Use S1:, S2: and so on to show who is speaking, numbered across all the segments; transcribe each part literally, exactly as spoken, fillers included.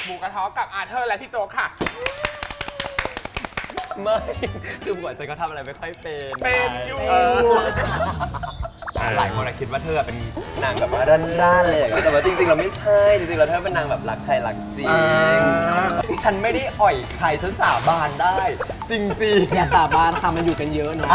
S1: หมูกระทะกับอาเธอร์และพี่โจ๊กค่ะ
S2: ไม่คือหัวใจก็ทำอะไรไม่ค่อยเป็น
S1: เป็นอยู่
S2: หลายคนคิดว่าเธอเป็นนางแบบว่าด้านๆเลยแต่ว่าจริงๆเราไม่ใช่จริงๆเราเธอเป็นนางแบบรักใครรักจริงฉันไม่ได้อ่อยใครฉันสาบานได้ จริงๆ
S3: อย่าสาบานค่ะมันอยู่กันเยอะเนาะ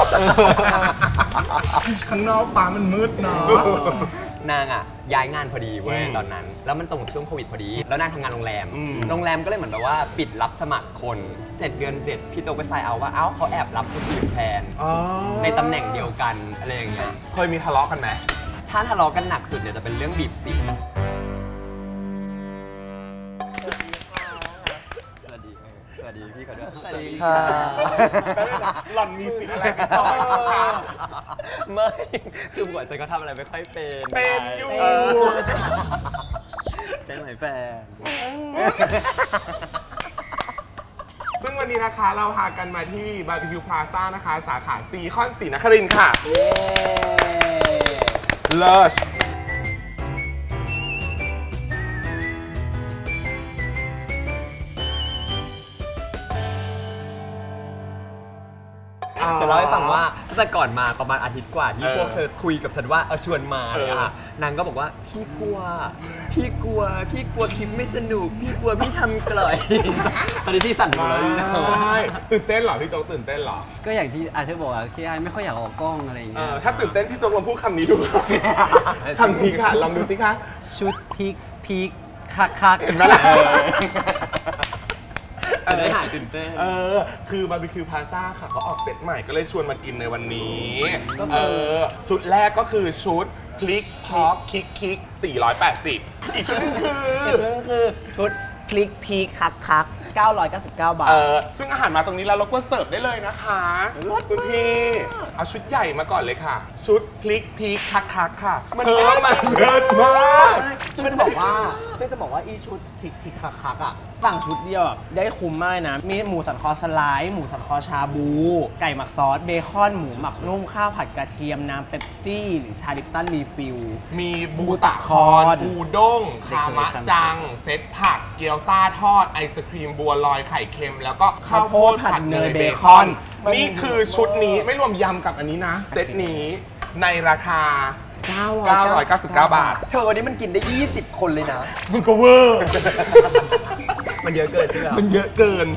S1: ข้างนอกฟ้ามันมืดเนาะ
S2: นางอ่ะย้ายงานพอดีเว้ยตอนนั้นแล้วมันตรงกับช่วงโควิดพอดีแล้วนางทำงานโรงแรมโรงแรมก็เลยเหมือนแบบว่าปิดรับสมัครคนเสร็จเดือนเจ็ดพี่โจไปไซน์เอาว่าเอ้าเขาแอบรับคนอื่นแทนในตำแหน่งเดียวกันอะไรอย่างเงี้ย
S1: เคยมีทะเลาะกันไหม
S2: ถ้าทะเลาะกันหนักสุดเนี่ยจะเป็นเรื่องบีบสิวสวัสดีสวัสดีพี่เขาด้วยสวัสดีค่ะ
S1: หล่อนมีสิทธิ์อะไรกันต่อ
S2: ไม่คือหัวใจก็ทำอะไรไม่ค่อยเป็น
S1: เป็นอยู่
S2: ใช่ไหมแฟน
S1: ซึ่งวันนี้นะคะเราพากันมาที่บาร์บีคิวพลาซ่านะคะสาขาซีคอนศรีนครินทร์ค่ะเลิศ
S2: จะเล่าให้ฟังว่าตั้งแต่ก่อนมาประมาณอาทิตย์กว่าที่พวกเธอคุยกับฉันว่าเออชวนมาเลยอ่ะนางก็บอกว่าพี่กลัวพี่กลัวพี่กลัวคลิปไม่สนุกพี่กลัวพี่ทำกล่อยตอนนี้ที่สั่นหมดแล้ว
S1: ตื่นเต้นเหรอพี่โจ๊กตื่นเต้นเหรอ
S3: ก็อย่างที่อาเธอบอกอะที่ไอ้ไม่ค่อยอยากออกกล้องอะไรอย่างเงี้ย
S1: ถ้าตื่นเต้นพี่โจ๊กลองพูดคำนี้ดูคำพีค่ะลองดูสิคะ
S3: ชุดพีคพีคคักคัก
S1: เห็นไหมล่ะ
S2: จะได้หายตื่นเต้น
S1: เออคือบาร์บีคิวพลาซ่าค่ะเขาออกเซตใหม่ก็เลยชวนมากินในวันนี้เออชุดแรกก็คือชุดพลิกพอกคิกคิกสี่ร้อยแปดสิบอีกชุดนึงคือ
S3: อีกชุดนึงคือชุดพลิกพีคคักคักเก้าร้อยเก้าสิบเก้าบาท
S1: เออซึ่งอาหารมาตรงนี้แล้วเราก็เสิร์ฟได้เลยนะคะคุณพี่เอาชุดใหญ่มาก่อนเลยค่ะ ชุดพลิกพีคคักคักค่ะมันเพิ่มมาเยอะมาก
S3: ซึ่งจะบอกว่าซึ่งจะบอกว่าอีชุดพลิกพีคคักคักอ่ะสั่งชุดเดียวแบบได้คุ้มมากนะมีหมูสันคอสไลด์หมูสันคอชาบูไก่หมักซอสเบคอนหมูหมักนุ่มข้าวผัดกระเทียมน้ำเป๊ปซี่หรือชาลิปตันรีฟิล
S1: มีบูตะคอนอูด้งคามะจังเซตผักเกี๊ยวซ่าทอดไอศครีมบัวลอยไข่เค็มแล้วก็ข้าวโพดผัดเนยเบคอนนี่คือชุดนี้ไม่รวมยำกับอันนี้นะเซตนี้ในราคาเก้าร้อยเก้าสิบเก้าบาท
S2: เธอวันนี้มันกินได้ยี่สิบคนเลยนะ
S1: มันก็เวอร์
S2: มันเยอะเกินใช่ไหม
S1: มันเยอะเกิน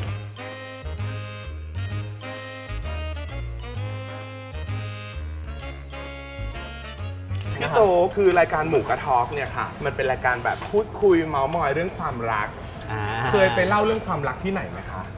S1: พี่โจคือรายการหมูกระทอกเนี่ยค่ะมันเป็นรายการแบบพูดคุยเมาส์มอยเรื่องความรักเคยไปเล่าเรื่องความรักที่ไหนไหมคะ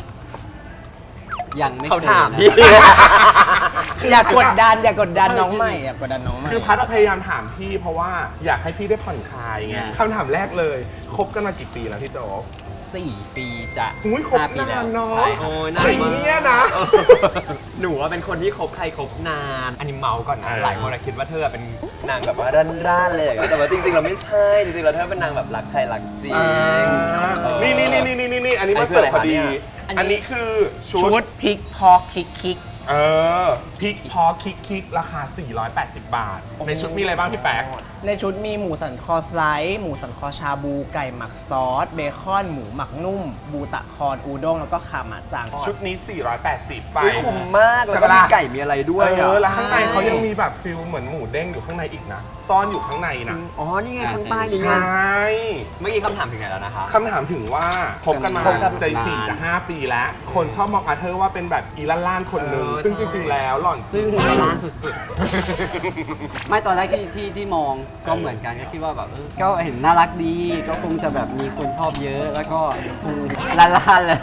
S3: ยังไม่
S2: เขาถามพี่
S3: อย่ากดดันอย่ากดดันน้องใหม่อย่ากดดันน้องใหม่
S1: คือพัดพยายามถามพี่เพราะว่าอยากให้พี่ได้ผ่อนคลายไงคำถามแรกเลยคบกันมากี่ปีแล้วพี่โจ๊ก
S3: สี่ปีจะ
S1: หุ้ยคบนานเนาะ
S2: โอ้ยนานมาก
S1: เนี่ยนะ
S2: หนูว่าเป็นคนที่คบใครคบนานอันนี้เมาก่อนนะหลายคนคิดว่าเธอเป็นนางแบบว่าด้านๆเลยแต่ว่าจริงๆเราไม่ใช่จริงๆเราเธอเป็นนางแบบรักใครรักจริง
S1: นี่นี่นี่นี่นี่นี่อันนี้มาเสิร์ฟพอดีอันนี้คือ
S3: ชุดพริกพอกคิกคิก
S1: เออพริกพอคิกคิกราคาสี่ร้อยแปดสิบบาทในชุดมีอะไรบ้างพี่แป๊ก
S3: ในชุดมีหมูสันคอสไลด์หมูสันคอชาบูไก่หมักซอสเบคอนหมูหมักนุ่มบูตะคอนอูด้งแล้วก็คามะจัง
S1: ชุดนี้สี่ร้อยแปดสิบไป
S2: คุ้มมากแล้วก็มีไก่มีอะไรด้วย
S1: เออแล้วข้างในเขายังมีแบบฟิลเหมือนหมูเด้งอยู่ข้างในอีกนะซ่อนอยู่ข้างในนะ
S2: อ๋อนี่ไงข้างใต้นี่ไง
S1: ใช่
S2: เมื่อกี้คำถามถึงไหนแล้วนะคะ
S1: คำถามถึงว่าคบกันมาใจสี่จะห้าปีแล้วคนชอบมองอาเธอร์ว่าเป็นแบบอีล่านๆคนหนึ่งซึ่งจริงๆแล้วหล่อน
S3: ซึ่งล้านสุดๆไม่ตอนแรกที่ที่ที่มองก็เหมือนกันก็คิดว่าแบบก็เห็นน่ารักดีก็คงจะแบบมีคนชอบเยอะแล้วก็คงล้านๆเลย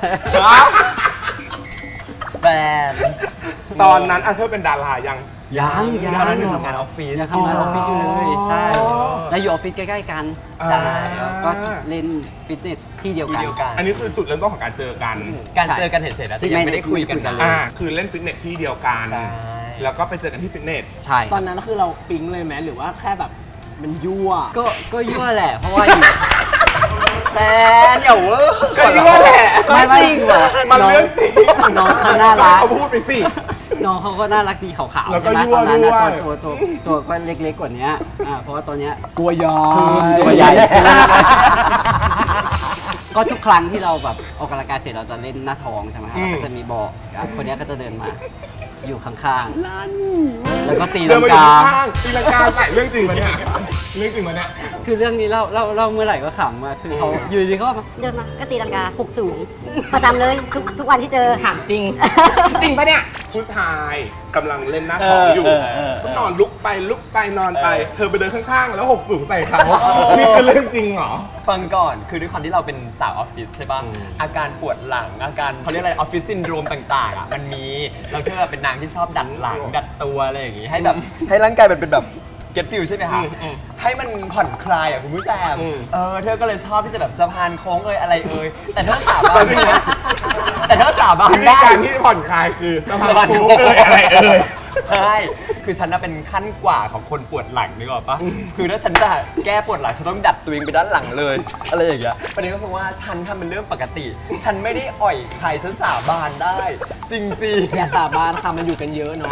S2: แฟน
S1: ตอนนั้นอาเธอร์เป็นดารายัง
S3: ยัง
S2: ยังอยู่ทำงานออฟฟิศ
S3: ยังทำงานออฟฟิศอยู่เลยใช่แล้วอยู่ออฟฟิศใกล้ๆกันใช่ก็เล่นฟิตเนสที่เดียวกัน
S1: อันนี้คือจุดเริ่มต้นของการเจอกัน
S2: การเจอกันเฉยๆนะที่ยังไม่ได้คุยกันเลย
S1: คือเล่นฟิตเนสที่เดียวกันแล้วก็ไปเจอกันที่ฟิตเนส
S3: ใช่ตอนนั้นคือเราปิ๊งเลยไหมหรือว่าแค่แบบมันยั่วก็ก็ยั่วแหละเพราะว่า
S2: แฟนเดี๋ยวเวอร์
S1: ก็ยั่วแหละ
S3: ไม่จริงเหรอ
S1: มันเรื่องจริง
S3: น้องเขาน่ารัก
S1: เขาพูดไปสิ
S3: น้องเขาก็น่ารักดีขาวๆ
S1: แล้วก็ยั่วด้วย
S3: ตัวตัวตัวก็เล็กๆกว่านี้อ่าเพราะว่าตัวเนี้ย
S1: ตัวใหญ่
S3: ตัวใหญ่
S4: ก็ทุกครั้งที่เราแบบออกกำลังกายเสร็จเราจะเล่นหน้าท้องใช่ไหมครับ
S1: อืม
S4: แล้วก็จะมีบอกอ่ะคนเนี้ยก็จะเดินมาอยู่ข้างๆแล้วก็ตี
S1: เดิ
S4: ลั
S1: น
S4: ง
S1: มาอยู่
S4: กา
S1: ข้างๆตีลังกาใส่เรื่องจริงมาเนี่ยเรื่องจริงมาเนี่ย
S4: คือเรื่องนี้เล่าเล่าเล่าเมื่อไหร่ก็ขำอะคือเขาอยู่ดีเขาก็มา
S5: เดินมาก็ตีลังกาปลุกสูง ประจำเลยทุกทุกวันที่เจอ
S3: ถามจริง
S1: จริงปะเนี่ยผู้ชายกำลังเล่นหน้าท้องอยู่
S3: เออเออเออ
S1: ก็นอนลุกไปลุกไปนอนไป เธอไปเดินข้างๆ แล้วหกสูงใส่เขานี่คือเรื่องจริงเหรอ
S2: ฟังก่อนคือด้วยความที่เราเป็นสาวออฟฟิศใช่ป่ะ
S1: อืม
S2: อาการปวดหลังอาการเขาเรียกอะไรออฟฟิศซินโดรมต่างๆอ่ะมันมีแล้วเธอเป็นนางที่ชอบดัดหลังดัดตัวอะไรอย่างงี้ให้แบบให้ร่างกายมันเป็นแบบ get feel ใช่ไหมคะ
S1: อืมอืม
S2: ให้มันผ่อนคลายอ่ะคุณผู้ชม
S1: อืม
S2: เออเธอก็เลยชอบที่จะแบบสะพานโค้งเอ่ยอะไรเอ่ยแต่เธอสาบานนะแต่เธอสาบาน
S1: วิธี
S2: ได้
S1: การที่ผ่อนคลายคือสะพานคูเอ่ยอะไรเอ่ย
S2: ใช่ คือฉันน่ะเป็นขั้นกว่าของคนปวดหลังนึกออกปะคือถ้าฉันจะแก้ปวดหลังฉันต้องดัดตัวเองไปด้านหลังเลย อะไรอย่างเงี้ย ประเด็นก็คือว่าฉันทำเป็นเรื่องปกติ ฉันไม่ได้อ่อยใครฉันสาบานได้ จริง
S3: อย่าสาบานค่ะมันอยู่กันเยอะเนาะ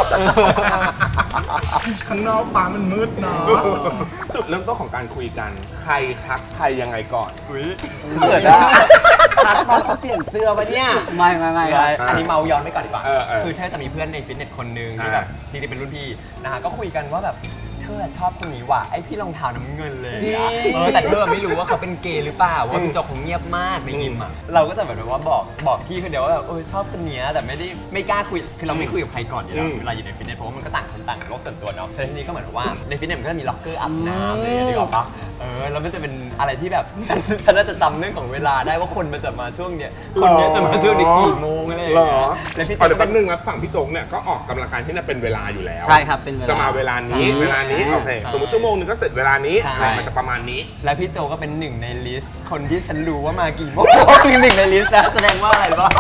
S1: ข้างนอกฟ้ามันมืดเนาะจุดเริ่มต้นของการคุยกัน ใครทักใครยังไงก่อน
S2: อุ้ย
S3: เกิดได้ทักตอนเขาเปลี่ยนเสื้อปะเนี่ย
S4: ไม่ไม่ไม่ครับ
S2: อันนี้เมาย้อนไปก่อนดีกว่า
S1: เออเออ
S2: คือเธอจะมีเพื่อนในฟิตเนสคนนึงที่
S1: อ่า
S2: แบบจริงๆเป็นรุ่นพี่นะคะก็คุยกันว่าแบบเธอชอบคนนี้ว่ะไอพี่รองเท้าน้ำเงินเลยอะเออแต่เธอไม่รู้ว่าเขาเป็นเกย์หรือเปล่าว่าพี่จอกคงเงียบมากในยิมอ่ะเราก็จะแบบว่าบอกบอกพี่คนเดียวว่าแบบเออชอบคนเนี้ยแต่ไม่ได้ไม่กล้าคุยคือเราไม่คุยกับใครก่อนอยู่แล้ว
S1: อืม
S2: เวลาอยู่ในฟิตเนสเพราะว่ามันก็ต่างคนต่างโลกส่วนตัวเนาะแต่ทีนี้ก็เหมือนกับว่าในฟิตเนสมันก็จะมีล็อกเกอร์อาบน้ำอะไรอย่างเงี้ยนึกออกปะเออแล้วมันจะเป็นอะไรที่แบบฉันฉันน่าจะจำเรื่องของเวลาได้ว่าคนมันจะมาช่วงเนี้ยคนเนี้ยจะมาช่วงนี้กี่โมงอะไรอย่าง
S1: หร
S2: เงี้
S1: อย
S2: แล้วพี่
S1: ขอ
S2: เจ๊
S1: เดี๋ยว
S2: ก็
S1: แป๊
S2: เป็
S1: บ
S2: น
S1: นึงนะฝั่งพี่โจ๊กเนี่ยก็ออกกำลังกายที่น่ะเป็นเวลาอยู่แล้ว
S4: ใช่ครับเป็นเวลา
S1: จะมาเวลานี้
S4: ใช่
S1: เวลานี้โอเค
S2: ใช่
S1: สมมติชั่วโมงนึงก็เสร็จเวลานี้
S2: ใช่
S1: อะไรมันจะประมาณนี้
S2: และพี่โจก็เป็นหนึ่งในลิสต์คนที่ฉันรู้ว่ามากี่โมง คือหนึ่งในลิสต์นะแสดงว่าอะไรบ้าง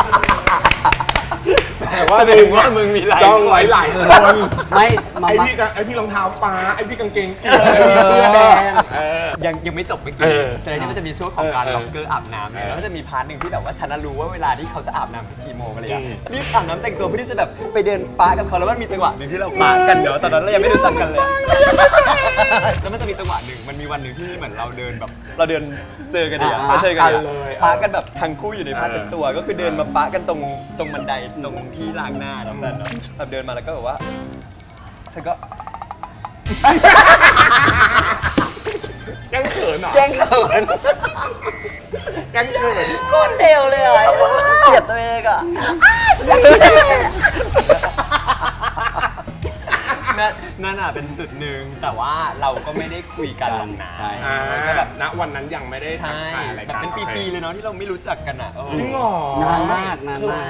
S1: แต่ว่า
S2: แสดงว่ามึงมีหลาย
S1: จ้องไว้หลายคน
S4: ไม่มา
S1: ไอ
S4: มา
S1: พี่กางไอพี่รองเท้าฟ้าไอพี่กางเกงเขียวไอพี่เสื้อแดงเออ
S2: ยังยังไม่จบเมื่อ
S1: เอ
S2: กี้
S1: อ
S2: แต่ทีนี้มันจะมีช่วงของการ
S1: เออ
S2: ล็อกเกอร์อาบน้ำเนี่ย
S1: เออ
S2: แล้วก็จะมีพาร์ทหนึ่งที่แบบว่าฉันน่ะรู้ว่าเวลาที่เขาจะอาบน้ำคือกี่โมงอะไรอย่าง
S1: อื
S2: เงี้
S1: ม
S2: ยรีบอาบน้ำแต่งตัวเพื่อที่จะแบบไปเดินปากับเขาแล้วมันมีจังหวะหนึ่งที่เราปากันเดี๋ยวตอนนั้นเรายังไม่รู้จักกันเลยแล้วมันจะมีจังหวะหนึ่งมันมีวันหนึ่งที่เหมือนเราเดินแบบ เราเดินเจอกันเนี่ย
S4: อ่า
S2: เราเจอกัน
S1: ปะกัน
S2: เล
S1: เลย ย
S2: ปากันแบบทั้งคู่อยู่ในผ้า
S1: เออ
S2: เช็ดตัวก็คือเดินมาปากันตรงตรงบันไดตรงที่ล้างหน้าตรงนั้นเนาะแบบเดินมาแล้วก็แบบว่าฉันก็
S1: แกล้งเขินเหรอ
S2: แกล้งเขิน
S1: แกล้งเขิน
S2: โคตรเร็วเลยอ่ะเกลียดตัวเองอ่ะนั่นนั่นอ่ะเป็นจุดหนึ่งแต่ว่าเราก็ไม่ได้คุยกันหรอกนะ
S4: ใช่
S1: อ่า
S2: ก็แบบ
S1: ณวันนั้นยังไม่ได้ทัก
S2: ใช่
S1: ทายอะไร
S2: แบบ
S1: กัน
S2: เป็นปีๆเลยเนาะที่เราไม่รู้จักกันอ่ะเออ
S1: จริงเหรอ
S4: นานมากนาน
S2: ใช่
S4: มาก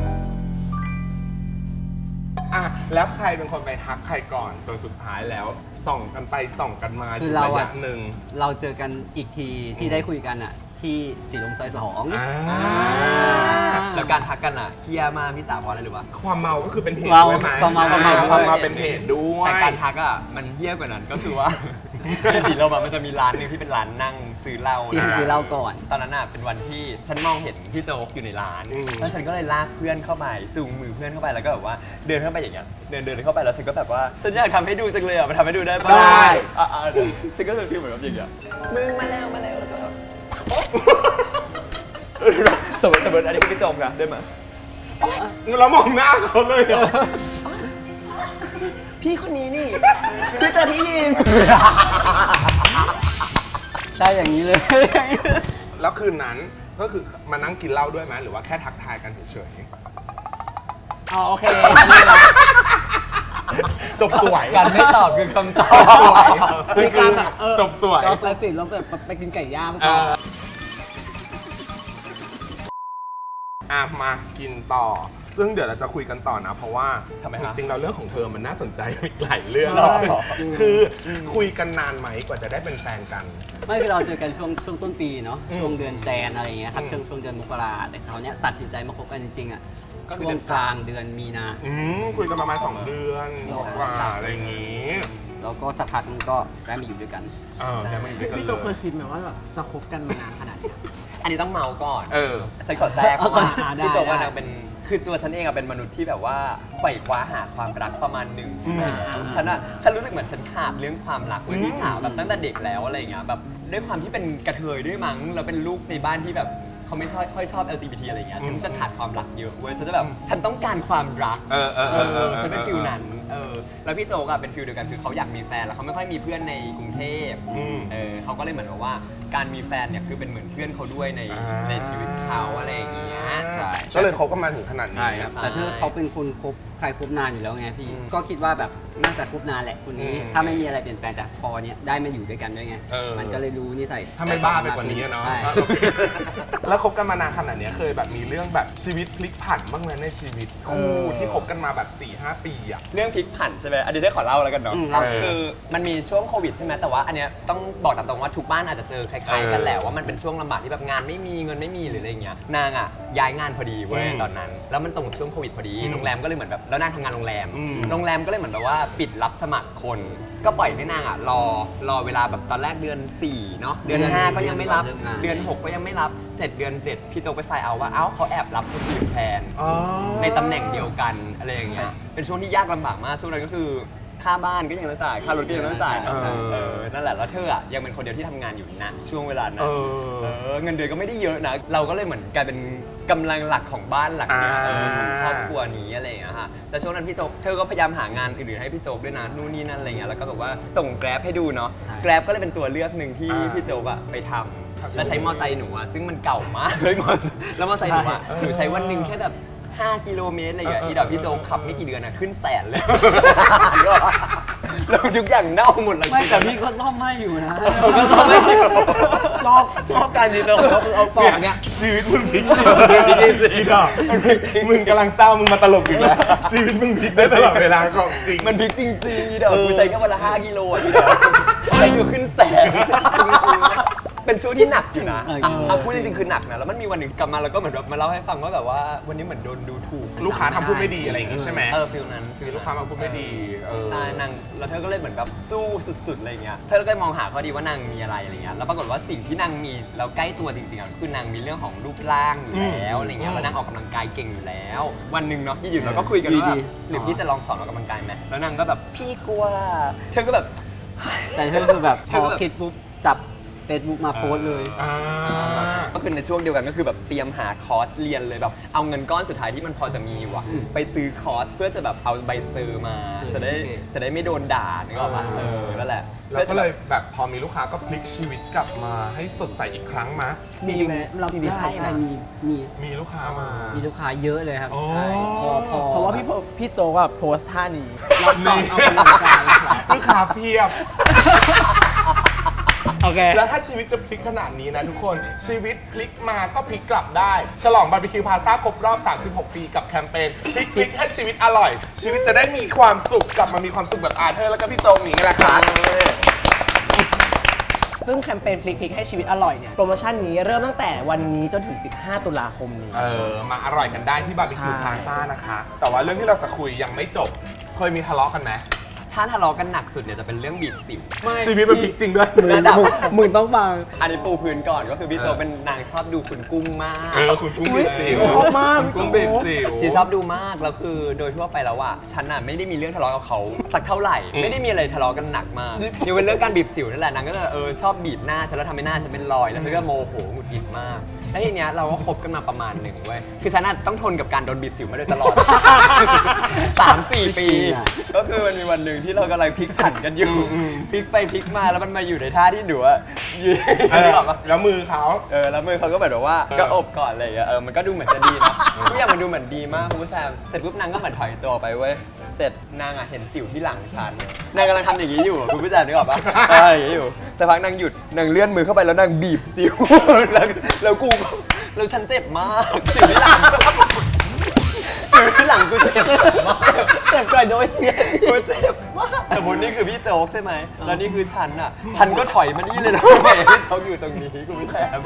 S1: อ่ะแล้วใครเป็นคนไปทักใครก่อนจนสุดท้ายแล้ว ส่องกันไปส่องกันมา
S4: คือ
S1: อยู่
S4: เรา
S1: ระ
S4: อะ
S1: ยะหนึ่ง
S4: เราเจอกันอีกทีที่ได้คุยกันอ่ะ ที่สีลมซอยสอง
S1: อ่า
S2: แล้วการทักกันอ่ะเฮียมากพี่สาวเพราะอะไรหรือวะ
S1: ความเมาก็คือเป็นเหตุ
S4: เมา
S1: ด้วยไหม
S4: ความเมาความเมา
S1: อ่ความเมาเป็นเหตุด้วย
S2: แต่การทักอ่ะมันเฮี้ยกว่านั้นก็คือว่า ในสีลมอะมันจะมีร้านหนึงที่เป็นร้านนั่งซื้อเหล้า
S4: ที่
S2: นะ
S4: ซื้อเหล้าก่อน
S2: ตอนนั้นอ่ะเป็นวันที่ฉันมองเห็นพี่โจ๊กอยู่ในร้าน
S1: อืม
S2: แล้วฉันก็เลยลากเพื่อนเข้าไปจูงมือเพื่อนเข้าไปแล้วก็แบบว่าเดินเข้าไปอย่างเงี้ยเดินเดินเข้าไปแล้วฉันก็แบบว่าฉันอยากทำให้ดูจังเลยอ่ะมาทำให้ดูได้ปะ
S1: ได้
S2: อ่ะอ่ะเดี๋ยวฉันก็จะฟีลเหมือนแบบอย่างเงี้ยมึงมาแล้วมาแล้วแล้วก็แบบสมมติสมมติอันนี้คือพี่โจ๊กนะได้ไหม
S1: เรามองหน้าเขาเลยเหรอ
S2: พี่คนนี้นี่พี่เจอที่ยิม
S4: ใช่อย่างนี้เลย
S1: แล้วคืนนั้นก็คือมานั่งกินเหล้าด้วยไหมหรือว่าแค่ทักทายกันเฉย
S3: อ๋อโอเค
S1: ๆจบสวย
S2: การไม่ตอบคือคำตอ
S1: จบสวย
S2: บ
S3: มีการแบบเออ
S1: จบสวย
S3: เราไปสิเราแบบไปกินไก่ย่าง
S1: เอออ่ะมากินต่อ ซึ่งเดี๋ยวเราจะคุยกันต่อนะ เพราะว่า
S2: ทำไม
S1: จ
S2: ฮะ
S1: ริงๆเราเรื่องของเธอมันน่าสนใจอีกหลายเรื่อง
S2: หรอ
S1: คือคุยกันนานไหมกว่าจะได้เป็นแฟนกัน
S4: ไม่คือเราเจอกันช่วงช่วงต้นปีเนาะ
S1: อืม
S4: ช่วงเดือนแจนอะไรอย่างเงี้ยครับ
S1: อืม
S4: ช่วงช่วงเดือนมกราแต่เขาวเนี้ยตัดสินใจมาคบกันจริงๆอ่ะ
S2: ก็คือ
S4: ช่ว
S2: เดื
S4: ง
S2: อน
S4: กลางเดือนมีนา
S1: อืมคุยกันประมาณสองเดือนกว่าอะไรอย่างงี้
S4: แล้วก็สักพักนึงก็ได้มาอยู่ด้วยกัน
S1: เออแล้วมาอยู่ด้วยกัน
S3: พี่
S1: เล
S3: โจเคย
S1: ย
S3: คิดไหมว่าแบบจะคบกันมานานขนาดนี้
S2: อันนี้ต้องเมาก่อน
S1: เออ
S2: ฉันขอแทรกเพราะว่า
S3: อ่าได้
S2: พี่โจ๊กว่า
S3: ได้
S2: นางเป็นคือตัวฉันเองอะเป็นมนุษย์ที่แบบว่าใฝ่คว้าหาความรักประมาณหนึ่ง
S1: อืม
S2: ฉันอะฉันรู้สึกเหมือนฉันขาดเรื่องความรักเว้ยพี่สาวแบบตั้งแต่เด็กแล้วอะไรอย่างเงี้ยแบบด้วยความที่เป็นกระเทยด้วยมั้งแล้วเป็นลูกในบ้านที่แบบเขาไม่ชอบค่อยชอบ แอล จี บี ที อะไรอย่างเงี้ยฉันจะขาดความรักเยอะเว้ยฉันจะแบบฉันต้องการความรัก
S1: เออเออเออเออ
S2: ฉันเป็นฟิลนั้นเออแล้วพี่โจก็เป็นฟิลเดียวกันคือเขาอยากมีแฟนแล้วเขาไม่ค่อยมีเพื่อนในกรุงเทพ
S1: อืม
S2: เออเขาก็เลยเหมือนกับว่าการมีแฟนเนี่ยคือเป็นเหมือนเพื่อนเขาด้วยใน
S1: อ่า
S2: ในชีวิตเขาอะไรอย่างเงี้ย
S4: ใช่
S1: ก็เลยเขาก็มาถึงขนาดนี้
S4: ใช่ครับ แต่ถ้าเขาเป็นคนคบใครคบนานอยู่แล้วไงพี่ ก็คิดว่าแบบน่าจะคบนานแหละคนนี้
S1: อืม
S4: ถ้าไม่มีอะไรเปลี่ยนแปลงแต่พอเนี้ยได้มาอยู่ด้วยกันด้วยไง
S1: เออ
S4: มันก็เลยรู้นิสัย
S1: ถ้าไม่บ้าไปกว่านี้อะเนาะ
S4: ใช่
S1: แล้วคบกันมานานขนาดเนี้ยเคยแบบมีเรื่องแบบชีวิตพลิกผันบ้างไหมในชีวิตคู่ที่คบกันมาแบบ สี่ห้า ปีอะ
S2: เรื่องพลิกผันใช่ไหมอันนี้ได้ขอเล่าแล้วกันเนาะ
S4: อืมเล่า
S2: คือมันมีช่วงโควิดใช่ไหมแต่ว่าอันเนี้ยต้องบอกตามตรงว่าทุกบ้านอาจจะเจอคล้ายๆกันแหละว่ามันเป็นช่วงลำบากที่แบบงานไม่มีเงินไม่มีหรืออะไรเงี้ยนางอ่ะย้ายงานพอดีเว้ย
S1: อืม
S2: ตอนนั้นแล้วมันตรงกับช่วงโควิดพอดี
S1: อืม
S2: โรงแรมก็เลยเหมือนแบบแล้วนางทำงานโรงแรม
S1: อืม
S2: โรงแรมก็เลยเหมือนแบบว่าปิดรับสมัครคน ก็ปล่อยให้นางอ่ะรอรอเวลาแบบตอนแรกเดือนสี่เนาะเดือนห้าก็ยังไม่รับเดือนหกก็ยังไม่รับเสร็จเดือนเจ็ดพี่โจกไปไฟเอาว่าเอ้าเขาแอบรับคนอื่นแทน
S1: อ๋อ
S2: ในตำแหน่งเดียวกันอะไรอย่างเงี้ย เป็นช่วงที่ยากลำบากมาก ช่วงนั้นก็คือค่าบ้านก็ยังต้องจ่าย ค่ารถก็ยังต้องจ่ายนะ
S1: เออ
S2: เออ นั่นแหละ แล้วเธออ่ะยังเป็นคนเดียวที่ทำงานอยู่นะช่วงเวลานั้
S1: เอน อ
S2: เออ เงินเดือนก็ไม่ได้เยอะนะ เราก็เลยเหมือนกลายเป็นกำลังหลักของบ้านหลักเนี้ย
S1: อ่า
S2: เออของครอบครัวนี้อะไรอย่างเงี้ยค่ะแล้วช่วงนั้นพี่โจ๊กเธอก็พยายามหางานอื่นๆให้พี่โจ๊กด้วยนะนู่นนี่นั่นอะไรเงี้ย แล้วก็แบบว่าส่งแกร็บให้ดูเนาะ แกร็บก็เลยเป็นตัวเลือกหนึ่งที่พี่โจ๊กอะไปทำแล้วใช้มอไซค์หนูอะซึ่งมันเก่ามากเลยมอแล้วมอไซค์หนูอะหนูใช้วันหนึ่งแค่แบบห้ากิโลเมตรอะไรอย่างเงี้ยอีดอกพี่โจ๊กขับไม่กี่เดือนอะขึ้นแสนเลย แล้วทุกอย่างเน่าหมดเลย
S4: ไม่แต่พี่ก็ซ่อมให้อยู่นะ
S2: ก็ซ่อมให้อยู่
S3: ชอบชอบการดีเทลของเขาคือเอาปอกเนี่ย
S1: ชีวิตมึงพลิกจริงจริงจริงอ่ะมึงกำลังเศร้ามึงมาตลกอีกแล้วชีวิตมึงพลิกได้ตลอดเวลาของจริง
S2: มันพลิกจริงๆอีดอกกูใช้แค่วันละห้ากิโลอ่ะอีดอกอะไรอยู่ขึ้นแสนจริงๆเป็นช่วงที่หนักอยู่นะ
S4: เออ
S2: อ่ะอ่ะพูดจริงๆคือหนักนะแล้วมันมีวันหนึ่งกลับมาแล้วก็เหมือนแบบมาเล่าให้ฟังว่าแบบว่าวันนี้เหมือนโดนดูถูก
S1: ลูกค้าทำพูดไม่ดีอะไรอย่างงี้ใช่ไหม
S2: เออฟิลนั้น
S1: คือลูกค้ามาพูดไม่ดีเออ
S2: ใช่นางแล้วเธอก็เลยเหมือนแบบสู้สุดๆอะไรเงี้ยเธอก็เลยมองหาข้อดีว่านางมีอะไรอะไรเงี้ยแล้วปรากฏว่าสิ่งที่นางมีแล้วใกล้ตัวจริงๆอ่ะคือนางมีเรื่องของรูปร่างอยู่แล้วอะไรเงี้ยแล้วนางออกกำลังกายเก่งอยู่แล้ว วันหนึ่งเนาะที่อยู่เราก็คุยกันว่าแบบหรือพี่จะลองสอนออกกำลังกายไหมแล้วนางก็แบบพี่กลัวเธอก็แบบ
S4: แต่เธอคือแบบพอคิดปุ๊บจับเฟซบุ๊กมาโพสต์เลย
S1: อ่า
S2: ก็คือในช่วงเดียวกันก็คือแบบเตรียมหาคอร์สเรียนเลยแบบเอาเงินก้อนสุดท้ายที่มันพอจะมีว่ะ
S4: อืม
S2: ไปซื้อคอร์สเพื่อจะแบบเอาใบเซอร์มา
S4: เออ
S2: จะได้
S4: โอเค
S2: จะได้ไม่โดนด่านึกออกปะเออนั่นแหละ
S1: แล้วก็เลยแบบพอมีลูกค้าก็พลิกชีวิตกลับมาให้สดใสอีกครั้งมะ
S2: จริงๆ
S4: เรา
S2: จริงๆใช่นะ
S4: มีมี
S1: มีลูกค้ามา
S4: มีลูกค้าเยอะเลยครับ
S1: โอ้
S4: ใช่พอพอ
S3: เพราะว่าพี่โพพี่โจกอะโพสท่านี้
S4: เราสอนเอากำลังกายครับ
S1: ลูกค้าเพียบ
S3: โอเค
S1: แล้วถ้าชีวิตจะพลิกขนาดนี้นะทุกคนชีวิตพลิกมาก็พลิกกลับได้ ฉลองบาร์บีคิวพาซ่าครบรอบ สามสิบหก ปีกับแคมเปญพลิกพลิกให้ชีวิตอร่อย ชีวิตจะได้มีความสุขกลับมามีความสุขแบบอาเธอร์แล้วก็พี่โจงอย่างนี้แหละค่ะ
S3: ซึ่งแคมเปญพลิกพลิกให้ชีวิตอร่อยเนี่ย โปรโมชั่นนี้เริ่มตั้งแต่วันนี้จนถึง สิบห้า ตุลาคมนี้
S1: เออมาอร่อยกันได้ที่บาร์บีคิว
S3: ใช่
S1: พาซ่านะคะ แต่ว่าเรื่องที่เราจะคุยยังไม่จบ เคยมีทะเลาะกันไหม
S2: ถ้าทะเลาะกันหนักสุดเนี่ยจะเป็นเรื่องบีบสิว
S1: ชีวิตมันพลิกจริงด้วย
S2: ระดับ
S3: มึงต้องฟัง
S2: อันนี้ปูพื้นก่อนก็คือพี่โจเป็นนางชอบดูคุณกุ้งมาก
S1: เออคุณกุ้งบีบสิว
S3: ชอบมาก
S1: คุณกุ้งบีบสิว
S2: ชีชอบดูมากแล้วคือโดยทั่วไปแล้วอะฉันอะไม่ได้มีเรื่องทะเลาะกับเขาสักเท่าไหร่
S1: อืม
S2: ไม่ได้มีอะไรทะเลาะกันหนักมากยังเป็นเรื่องการบีบสิวนั่นแหละนางก็จะเออชอบบีบหน้าฉันแล้วทำให้หน้าฉันเป็นรอยแล้วเธอก็โมโหหงุดหงิดมากแล้วทีเนี้ยเราก็คบกันมาประมาณหนึ่งเว้ยคือฉันอะต้องทนกับการโดนบีบสิวมาโดยตลอด สามสี่ปี ก็คือมันมีวันหนึ่งที่เรากำลังพลิกผันกันอยู่พลิกไปพลิกมาแล้วมันมาอยู่ในท่าที่หนูอะอยู่
S1: เออ
S2: นึกออกปะ
S1: แล้วมือเขา
S2: เออแล้วมือเขาก็แบบว่า
S1: เออ
S2: ก็อบก่อนอะไรอย่างเงี้ยเออมันก็ดูเหมือนจะดีนะทุกอย่างมันดูเหมือนดีมากคุณผู้ชมเสร็จปุ๊บนางก็เหมือนถอยตัวไปเว้ยเสร็จนางอ่ะเห็นสิวที่หลังฉันนางกำลังทำอย่างนี้อยู่คุณผู้ชมนึกออกปะเอออย่างนี้อยู่สักพักนางหยุดนางเลื่อนมือเข้าไปแล้วนางบีบสิว แล้วแล้วกูก็แล้วฉันเจ็บมากสิวที่หลังสิวที่หลังกูเจ็บมากเจ็บก่อนโดยเนี่ยกูเจ็บมากสมมตินี่คือพี่โจ๊กใช่ไหมแล้วนี่คือฉันอ่ะฉันก็ถอยมานี่เลยนะพี่โจ๊กอยู่ตรงนี้คุณผู้ชม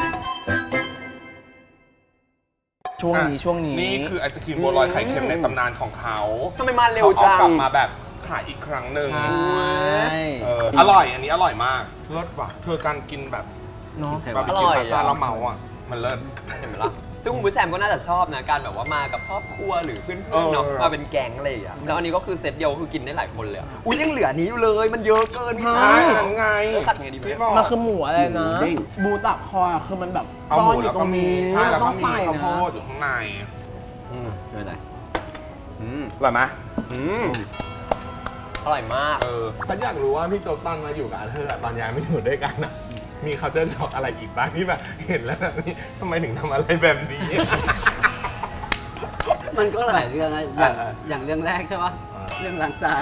S3: ช่วงนี้ช่วงนี้
S1: นี่คือไอศครีมบัวลอยไข่เค็มในตำนานของเขา
S2: ทำไมมาเร็วจัง
S1: ขากลับมาแบบขายอีกครั้งหนึ่ง
S3: ใช่
S1: เอออร่อยอันนี้อร่อยมากเลิศว่ะเธอการกินแบบ
S3: เนาะ
S1: บาร์บี
S2: อ
S1: คิว
S2: ร่อย
S1: พาซ่า
S2: อะ
S1: แล้วเมาอ่ะมันเลิศ
S2: เห็นไหมล่ะซึ่งคุณผู้แซมก็น่าจะชอบนะการแบบว่ามากับครอบครัวหรือเพื่อนๆเนาะมาเป็นแก๊งอะไรอย่างเงี้ยแล้วอันนี้ก็คือเซตเดียวคือกินได้หลายคนเลยอะอุ้ยยังเหลือนี้อยู่เลยมันเยอะเกินพี่
S1: ใช่ยังไง
S2: แล้วตัดไงดี
S1: พี่
S2: พี่
S1: บอก
S3: มันคือหมูอะไรนะ
S4: หมูเด้ง
S3: บูตักคออะคือมันแบบ
S1: เอา
S3: ซ่
S1: ห
S3: อน
S1: มู
S3: อ
S1: แล้ว
S3: ยู่ต
S1: ก็
S3: รง
S1: มี
S3: นี้
S1: ใช่แล้ว
S3: ต้
S1: ก็
S3: อง
S1: มี
S3: ไป
S1: ข้าวโพ
S3: นะ
S1: ดอยู่ข้างใน
S2: อืม
S4: ไม่เป็นไร
S2: อืม
S1: อร่อยไหม
S2: อืมอร่อยมาก
S1: เออฉันอยากรู้ว่าพี่โจ๊กตอนมาอยู่กับอาเธอร์อะตอนย้ายไม่อยู่ด้วยกันอะมีเขาจะช็อกอะไรอีกบ้างที่แบบเห็นแล้วแบบนี้ทำไมถึงทำอะไรแบบนี้
S4: มันก็หลายเรื่องนะอย่าง
S1: เออ
S4: อย่างเรื่องแรกใช่ปะ
S1: เออ
S4: เรื่องล้างจาน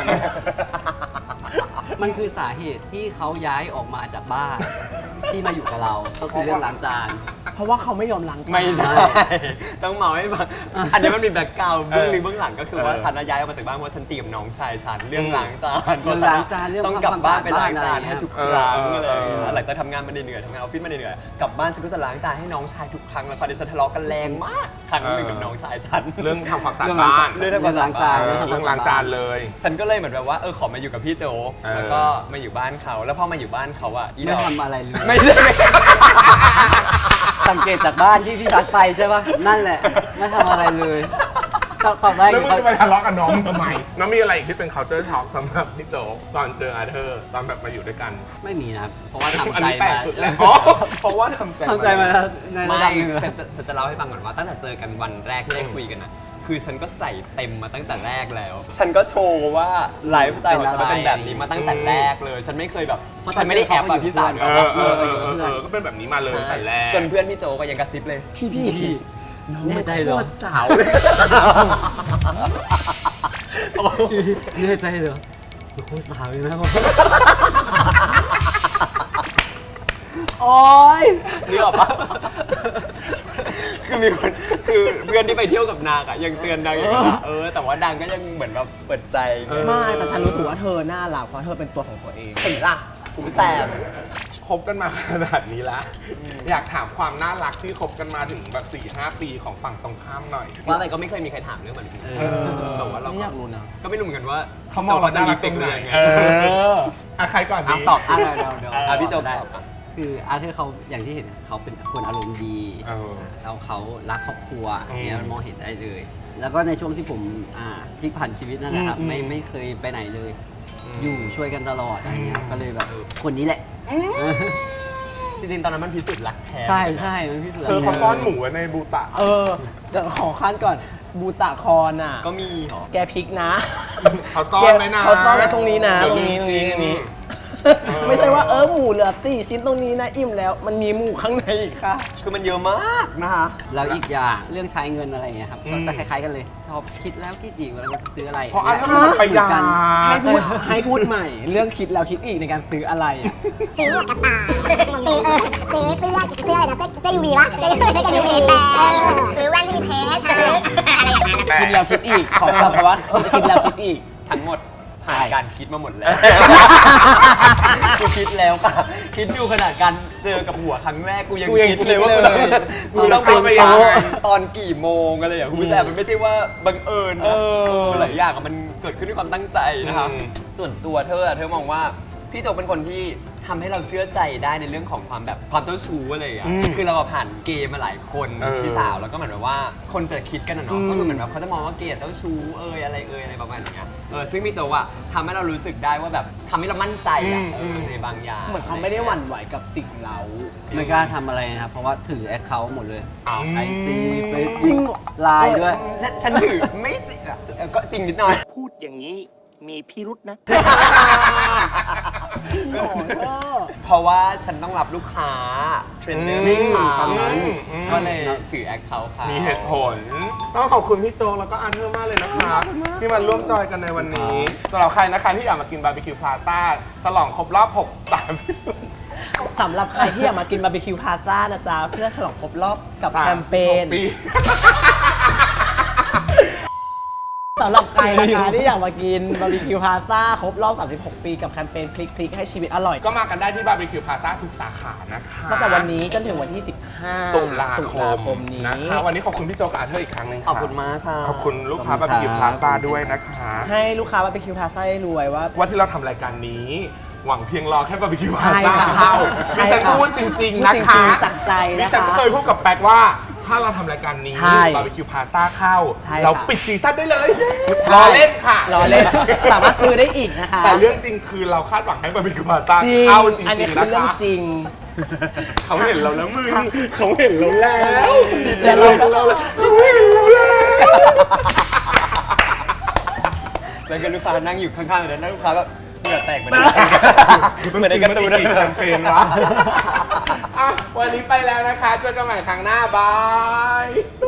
S4: มันคือสาเหตุที่เขาย้ายออกมาจากบ้าน ที่มาอยู่กับเรา ก็คือเรื่องล้างจาน
S3: เพราะว่าเขาไม่ยอมล้างจาน
S2: ไม่ใช่ ต้องเมาให้ฟังอันนี้มันมีแบ็คกราวด์เบื้องลึกเบื้องหลังก็คือว่า
S1: เออ
S2: ฉันน่ะย้ายออกมาจากบ้านเพราะฉันเตรียมน้องชายฉันเรื่อง
S1: อืม
S2: ล้างจาน
S4: เรื่องล้างจานเรื่อง
S2: ต้องกลับบ้านไปล้างจาน
S4: ทำความสะอาดบ้านอะไร
S2: ให้ทุกค
S1: เออ
S2: รั้ง
S1: เออ
S2: อะไรอย่างเงี้ย
S1: เออ
S2: หลังจากทำงานมาเหนื่อยๆทำงานออฟฟิศมาเหนื่อยๆกลับบ้านฉันก็จะล้างจานให้น้องชายทุกครั้งแล้วคราวนี้ฉันทะเลาะกันแรงมากครั้งหนึ่งกับน้องชายฉัน
S1: เรื่องทำความสะอาด
S4: เรื่อง
S1: บ้าน
S2: เรื่องทำความสะอาด
S4: จาน
S1: เออเรื่องล้างจานเลย
S2: ฉันก็เลยเหมือนแบบว่าเออขอมาอยู่กับพี่โจก
S1: เออ
S2: แล้วก็มาอยู่บ้านเขาแล้วพอมาอยู่บ้านเขาอะอีด
S4: ไม่
S2: อก
S4: ทำอะไรเลย
S2: ไม่ใช่
S4: สังเกตจากบ้านที่พี่พัดไปใช่ปะนั่นแหละ ไม่ทำอะไรเลยต่อต่อไป
S1: แล้วมึงจะไปทะเลาะกับน้องมึงทำไมน้องมีอะไรอีกที่เป็น culture shock สำหรับพี่โจ๊กตอนเจออาเธอร์ตอนแบบมาอยู่ด้วยกัน
S4: ไม่มีนะครับ เพราะว่าทำ
S1: อัน
S4: ใจ
S1: นี้แปล
S4: มาก
S1: สุดแล้วอ๋อเพราะว่าทำใจ
S4: ทำใจมาแล้วในระ
S2: ไม่
S4: ดับหนึ่งแล้ว
S2: ฉันจะฉันจะเล่าให้ฟังก่อนว่าตั้งแต่เจอกันวันแรกที่ได้คุยกันนะคือฉันก็ใส่เต็มมาตั้งแต่แรกแล้ว ฉันก็โชว์ว่าไลฟ์สไตล์ของฉันมันเป็นแบบนี้มาตั้งแต่แรกเลย ฉันไม่เคยแบบฉันไม่ได้แอบอะพี่สาว
S1: เออเออเออเออเออก็เป็นแบบนี้มาเลยตั้งแต่แรก
S2: จนเพื่อนพี่โจก็ยังกระซิบเลย
S3: พี่พี่
S4: แน่ใจเหรอ
S2: สาวเลย
S4: แน่ใจเหรอโคตรสาวเลยนะ
S3: โอ๊ย
S2: นึกออกปะคือมีคนคือเพื่อนที่ไปเที่ยวกับนางอะยังเตือนนางอย่างนั้นอะเออแต่ว่านางก็ยังเหมือนแบบเปิดใจไง
S3: ไม่แต่ฉันรู้สึกว่าเธอน่ารักเพราะเธอเป็นตัวของตัวเอง
S2: เห็นล่ะคุณแซม
S1: คบกันมาขนาดนี้แล้วอยากถามความน่ารักที่คบกันมาถึงแบบ สี่ห้า ปีของฝั่งตรงข้ามหน่อย
S2: ว่าอะไรก็ไม่เคยมีใครถามเรื่องมันเลย
S4: เออ
S2: แต่ว่าเรา
S3: ไม่
S2: ก็
S3: อยากรู้นะ
S2: ก็ไม่รู้เหมือนกันว่า
S1: เขามองเราน่ารักต
S2: เป็
S1: ร
S2: น
S1: งไหน
S2: เรื่องไง
S1: เอออ่ะใครก่อนดี
S2: ตอบ
S4: อ่ะเดี๋ยวเดี๋ยว
S2: อ่ะพี่โจ
S4: ได้
S2: ตอบอ่ะ
S4: คืออาร์เธอร์เขาอย่างที่เห็นเขาเป็นคนอารมณ์ดี
S1: เออ
S4: แล้วเขารักครอบครัว
S1: อืม
S4: เนี่ยมันมองเห็นได้เลย แล้วก็ในช่วงที่ผมอ่าพลิกผันชีวิตนั่นแหละครับ
S1: อืม
S4: ไม่ไม่เคยไปไหนเลย อยู่ช่วยกันตลอดอะไรเงี้ยก็เลยแบบคนนี้แหละ
S2: จริงๆตอนนั้นมันพิสูจน์รักแท้
S4: ใช่ใช่มันพี่สุด
S1: เธอเขาซ่อนหมูไว้ในบูตะ
S3: เออเดี๋ยวขอขั้นก่อนบูตะคอนอ่ะ
S2: ก็มีเหรอ
S3: แกพริกนะ
S1: เขาซ่อนไว้นะ
S3: เขาซ่อนไว้ตรงนี้นะ
S1: เดี๋
S3: ต
S1: ยว
S3: รงนี้ตรงนี้
S1: ลืมกิน
S3: ตรงนี้
S1: เออ
S3: ไม่ใช่ว่าเออหมูเหลือสี่ชิ้นตรงนี้นะอิ่มแล้ว มันมีหมูข้างในอีกค่ะ
S2: คือมันเยอะมากนะคะ
S4: แล้วอีกอย่างเรื่องใช้เงินอะไรเงี้ยครับ
S1: อืม
S4: ก็จะคล้ายๆกันเลย ชอบคิดแล้วคิดอีกเวลาจะซื้ออะไร
S1: เพราะอันนั้นมันประหยัด
S3: ให้พูดให้พูดใหม่ เรื่องคิดแล้วคิดอีกในการซื้ออะไรอ่ะ
S5: ซื้อหมวกกันตาซื้อเออซื้อเสื้อเสื้ออะไรนะเสื้อเสื้อยูวีวะเสื้อเสื้อยูวีแปดซื้อแว่นที่มีเพชรซื้ออะไรอย่างนั้น
S3: คิดแล้วคิดอีก ขอกลับคำว่าคิดแล้วคิดอีก
S2: ทั้งหมดผ่านการคิดมาหมดแล้วกูคิดแล้วค่ะคิดดูขนาดการเจอกับหัวครั้งแรกกูยัง
S3: กูยัง
S2: คิดเลยว่า
S3: คิดเลย
S2: กูต้อง
S1: เข้าไป
S2: ไป
S1: ยังไง
S2: ตอนกี่โมงอะไรอย่างคุณผู้ชมมันไม่ใช่ว่าบังเอิญนะ
S3: เออ
S2: หลายอย่างอะมันเกิดขึ้นด้วยความตั้งใจนะคะ
S1: อืม
S2: ส่วนตัวเธออะเธอมองว่าพี่โจเป็นคนที่ทำให้เราเชื่อใจได้ในเรื่องของความแบบความเจ้าชู้อะไรอย่างเงี้ย
S1: อืม
S2: คือเราอะผ่านเกย์มาหลายคน
S1: เออ
S2: พี่สาวแล้วก็เหมือนแบบว่าคนจะคิดกันนะเนาะ
S3: อืม
S2: ก็คือเหมือนแบบเขาจะมองว่าเกย์เจ้าชู้เอยอะไรเอยอะไรประมาณอย่างเงี้ยเออซึ่งพี่โจอะทำให้เรารู้สึกได้ว่าแบบทำให้เรามั่นใจอะ
S1: อืม
S2: เออในบางอย่าง
S3: เหมือนเขาไม่ได้หวั่นไหวกับสิ่งเรา
S4: ไม่กล้าทำอะไรนะครับ เพราะว่าถือแอคเคาท์หมดเลย
S2: อ้าว
S4: ไอจีเฟซ
S3: จริง
S4: ไลน์ด้วย
S2: ฉันฉันถือไม่จริงอะเออก็จริงนิดหน่อย
S6: พูดอย่างนี้มีพิรุษนะ
S2: เพราะว่าฉันต้องรับลูกค้าเทรนเนอร์ให้เขา
S1: อืมอืม
S2: ก็เลยถือแอคเคาท์เขา
S1: มี
S2: มี
S1: เหตุผล ต้องขอบคุณพี่โจแล้วก็อาเธอร์มากเลยนะคะที่มาร่วมจอยกันในวันนี้สำหรับใครนะคะที่อยากมากินบาร์บีคิวพลาซ่าฉลองครบรอบหก สามสิบ
S3: สำหรับใครที่อยากมากินบาร์บีคิวพาซ่านะจ๊ะ เพื่อฉลองครบรอบกับแคมเปญ
S1: ปี
S3: สำหรับใครนะคะที่อยากมากินบาร์บีคิวพาซ่าครบรอบ สามสิบหก ปีกับแคมเปญพลิกพลิกให้ชีวิตอร่อย
S1: ก็มากันได้ที่บาร์บีคิวพลาซ่าทุกสาขานะคะ
S3: ตั้งแต่วันนี้จนถึงวันที่ สิบห้า
S1: ตุลา
S3: ตุ
S1: ค
S3: ลาม คมนี้
S1: นะคะวันนี้ขอบคุณพี่โจกับอาเธอร์อีกครั้งหนึง
S2: ขอบคุณมากค่ะ
S1: ขอบคุณลูกค้าบาร์บีคิวพลาซ่าด้วยนะคะ
S3: ให้ลูกค้าบาร์บีคิวพาซ่าได้รวยว่า
S1: ว่าที่เราทำรายการนี้ หวังเพียงรอแค่บาร์บีคิวพลา
S3: ใช่
S1: ซ่า
S3: ค่ะ
S1: เข้าดิฉัน
S3: ใช่ค่ะ
S1: พูดจริง ๆ นะ
S3: พูดจริ
S1: คะ
S3: งๆจากใจนะคะ
S1: ดิฉันเคยพูดกับแป๊กว่าถ้าเราทำรายการนี้
S3: ใช่
S1: บาร์บีคิวพาซ่าเข้า
S3: ใช่
S1: เรา
S3: ค่ะ
S1: ปิดซีซั่นได้เลย
S3: ใช่
S1: รอเล่นค่ะ
S3: รอเล่น สามารถซื้อได้อีกนะคะ
S1: แต่เรื่องจริงคือเราคาดหวังให้บาร์บีคิวพาซ่า
S3: จริง
S1: เข้าจริ
S3: อันนี้
S1: งๆ
S3: คือ
S1: นะ
S3: เรื่อง
S1: คะ
S3: จริง
S1: เขาเห็นเราแล้วมึงเขาเห็นเราแล้ว
S3: เดี๋ยวเรา
S1: เขาเห็นเราแล้ว
S2: แล้วก็ลูกค้านั่งอยู่ข้างๆเลยนะลูกค้าแบบเหงื่อแตกเหมือนเหมือนในการ์ตูน
S1: มัอีกแคมเปญวะอ่ะวันนี้ไปแล้วนะคะ เจอกันใหม่ครั้งหน้า บาย